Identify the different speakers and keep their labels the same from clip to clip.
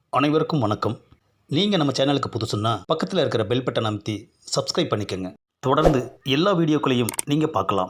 Speaker 1: அனைவருக்கும் வணக்கம். நீங்கள் நம்ம சேனலுக்கு புதுசுன்னா பக்கத்தில் இருக்கிற பெல் பட்டன் அமைத்தி சப்ஸ்கிரைப் பண்ணிக்கோங்க. தொடர்ந்து எல்லா வீடியோக்களையும் நீங்கள் பார்க்கலாம்.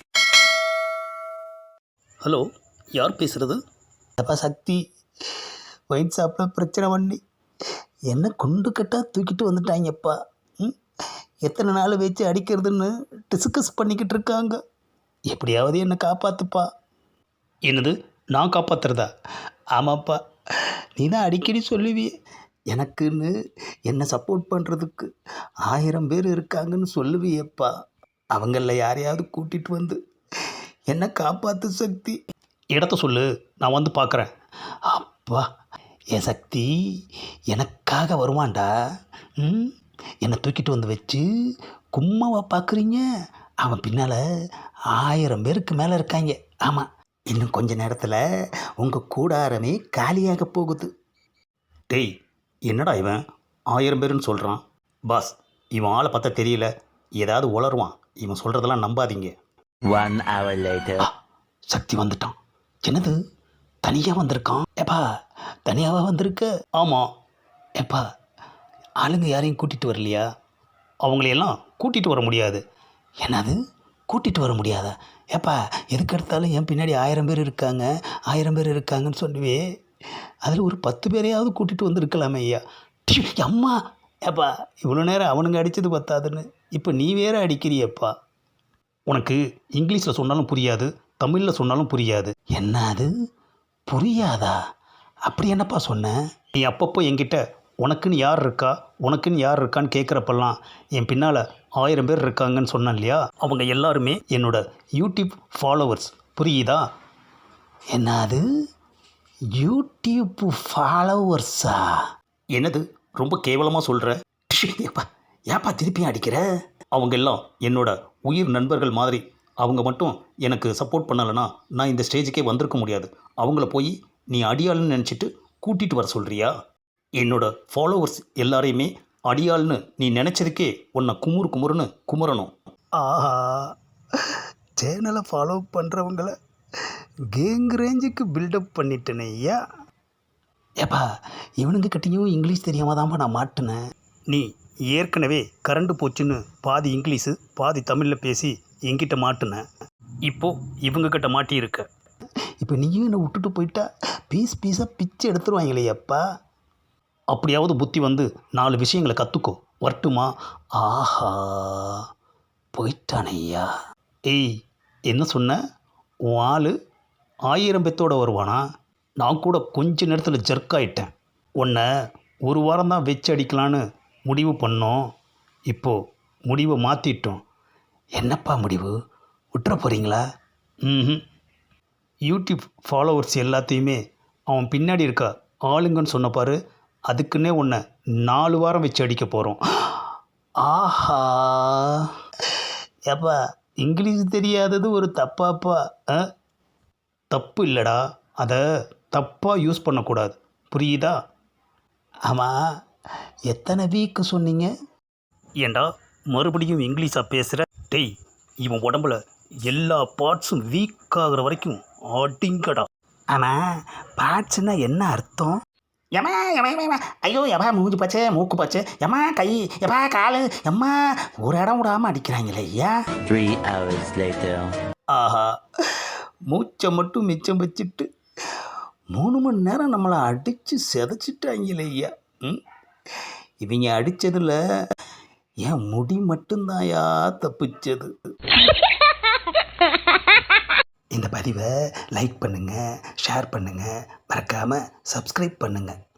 Speaker 1: ஹலோ, யார் பேசுகிறது?
Speaker 2: அப்பா சக்தி, ஒயின் ஷாப்பில் பிரச்சனை பண்ணி என்ன குண்டு கட்டாக தூக்கிட்டு வந்துட்டாங்கப்பா. எத்தனை நாள் வச்சு அடிக்கிறதுன்னு டிஸ்கஸ் பண்ணிக்கிட்டு இருக்காங்க. எப்படியாவது என்னை காப்பாற்றுப்பா.
Speaker 1: என்னது, நான் காப்பாற்றுறதா?
Speaker 2: ஆமாப்பா, நீ தான் அடிக்கடி சொல்லுவியே, எனக்குன்னு என்னை சப்போர்ட் பண்ணுறதுக்கு 1000 பேர் இருக்காங்கன்னு சொல்லுவியப்பா. அவங்களில் யாரையாவது கூட்டிகிட்டு வந்து என்னை காப்பாற்று சக்தி.
Speaker 1: இடத்த சொல்லு, நான் வந்து பார்க்குறேன்.
Speaker 2: அப்பா, என் சக்தி எனக்காக வருவான்டா. என்னை தூக்கிட்டு வந்து வச்சு கும்மாவா பார்க்குறீங்க? அவன் பின்னால் 1000 பேருக்கு மேலே இருக்காங்க. ஆமாம், இன்னும் கொஞ்ச நேரத்தில் உங்கள் கூடாரமே காலியாக போகுது.
Speaker 1: டேய், என்னடா இவன் 1000 பேருன்னு சொல்கிறான்? பாஸ், இவன் ஆளை பார்த்தா தெரியல, ஏதாவது உளருவான். இவன் சொல்கிறதெல்லாம் நம்பாதீங்க.
Speaker 2: 1 hour later. சக்தி வந்துட்டான். என்னது, தனியாக வந்திருக்கான்? ஏப்பா, தனியாகவா வந்திருக்க?
Speaker 1: ஆமாம்.
Speaker 2: ஏப்பா, ஆளுங்க யாரையும் கூட்டிகிட்டு வரலையா?
Speaker 1: அவங்களையெல்லாம் கூட்டிகிட்டு வர முடியாது.
Speaker 2: என்னது, கூட்டிகிட்டு வர முடியாதா? ஏப்பா, எதுக்கு எடுத்தாலும் என் பின்னாடி 1000 பேர் இருக்காங்க 1000 பேர் இருக்காங்கன்னு சொல்லுவே. அதில் ஒரு 10 பேரையாவது கூட்டிகிட்டு வந்துருக்கலாமே ஐயா. அம்மா, ஏப்பா, இவ்வளோ நேரம் அவனுங்க அடித்தது பத்தாதுன்னு இப்போ நீ வேற அடிக்கிறியப்பா.
Speaker 1: உனக்கு இங்கிலீஷில் சொன்னாலும் புரியாது, தமிழில் சொன்னாலும் புரியாது.
Speaker 2: என்ன அது, புரியாதா? அப்படி என்னப்பா சொன்னேன்?
Speaker 1: நீ அப்பப்போ என்கிட்ட உனக்குன்னு யார் இருக்கா உனக்குன்னு யார் இருக்கான்னு கேட்குறப்பெல்லாம் என் பின்னால் 1000 பேர் இருக்காங்கன்னு சொன்னேன் இல்லையா? அவங்க எல்லாருமே என்னோட யூடியூப் ஃபாலோவர்ஸ். புரியுதா?
Speaker 2: என்ன அது, யூடியூப் ஃபாலோவர்ஸா?
Speaker 1: என்னது, ரொம்ப கேவலமாக சொல்கிற?
Speaker 2: ஏப்பா, ஏப்பா திருப்பியும் அடிக்கிற?
Speaker 1: அவங்க எல்லாம் என்னோட உயிர் நண்பர்கள் மாதிரி. அவங்க மட்டும் எனக்கு சப்போர்ட் பண்ணலைன்னா நான் இந்த ஸ்டேஜுக்கே வந்திருக்க முடியாது. அவங்கள போய் நீ அடியாளுன்னு நினச்சிட்டு கூட்டிகிட்டு வர சொல்கிறியா? என்னோட ஃபாலோவர்ஸ் எல்லாரையுமே அடியாள்னு நீ நினச்சதுக்கே உன்னை குமுறுன்னு குமுறணும்.
Speaker 2: ஆஹா, சேனலை ஃபாலோ பண்ணுறவங்கள கேங் ரேஞ்சுக்கு பில்டப் பண்ணிட்டேனே ஐயா. ஏப்பா, இவனுங்க கிட்டேயும் இங்கிலீஷ் தெரியாமல் தான்ப்பா நான் மாட்டினேன்.
Speaker 1: நீ ஏற்கனவே கரண்டு போச்சுன்னு பாதி இங்கிலீஷு பாதி தமிழில் பேசி என்கிட்ட மாட்டினேன். இப்போது இவங்கக்கிட்ட மாட்டியிருக்க.
Speaker 2: இப்போ நீயும் என்னை விட்டுட்டு போயிட்டா பீஸாக பிச்சு எடுத்துருவாங்களே அப்பா.
Speaker 1: அப்படியாவது புத்தி வந்து 4 விஷயங்களை கற்றுக்கோ. வரட்டுமா?
Speaker 2: ஆஹா, போயிட்டானையா.
Speaker 1: ஏய், என்ன சொன்ன? உன் ஆள் 1000 பேத்தோடு வருவானா? நான் கூட கொஞ்ச நேரத்தில் ஜர்க்காயிட்டேன். உன்னை ஒரு வாரம் தான் வச்சு அடிக்கலான்னு முடிவு பண்ணோம். இப்போது முடிவை மாற்றிட்டோம்.
Speaker 2: என்னப்பா முடிவு? விட்டுற போகிறீங்களா?
Speaker 1: யூடியூப் ஃபாலோவர்ஸ் எல்லாத்தையுமே அவன் பின்னாடி இருக்க ஆளுங்கன்னு சொன்ன பாரு, அதுக்குன்னே உன்னை 4 வாரம் வச்சு அடிக்க போகிறோம்.
Speaker 2: ஆஹா, ஏப்பா, இங்கிலீஷ் தெரியாதது ஒரு தப்பாப்பா?
Speaker 1: தப்பு இல்லைடா, அதை தப்பாக யூஸ் பண்ணக்கூடாது. புரியுதா?
Speaker 2: ஆமாம், எத்தனை வீக்கு சொன்னீங்க?
Speaker 1: ஏண்டா மறுபடியும் இங்கிலீஷாக பேசுகிற? டேய், இவன் உடம்புல எல்லா பார்ட்ஸும் வீக் ஆகிற வரைக்கும் அடிங்கடா.
Speaker 2: ஆனால் பார்ட்ஸ்னா என்ன அர்த்தம்?
Speaker 3: எம்மா எம்மா எம்மா, ஐயோ எவ்வா மூஞ்சி பச்சை மூக்கு பச்சை, எம்மா கை, எவ்வா காலு, எம்மா ஒரு இடம் விடாமல் அடிக்கிறாங்களே ஐயா.
Speaker 2: 3 hours later.
Speaker 1: ஆஹா, மூச்சை மட்டும் மிச்சம் வச்சுட்டு
Speaker 2: 3 மணி நேரம் நம்மளை அடித்து செதைச்சிட்டாங்களே ஐயா. இவங்க அடித்ததில் என் முடி மட்டும்தான்யா தப்பிச்சது. இந்த பதிவை லைக் பண்ணுங்கள், ஷேர் பண்ணுங்கள், மறக்காமல் சப்ஸ்கிரைப் பண்ணுங்கள்.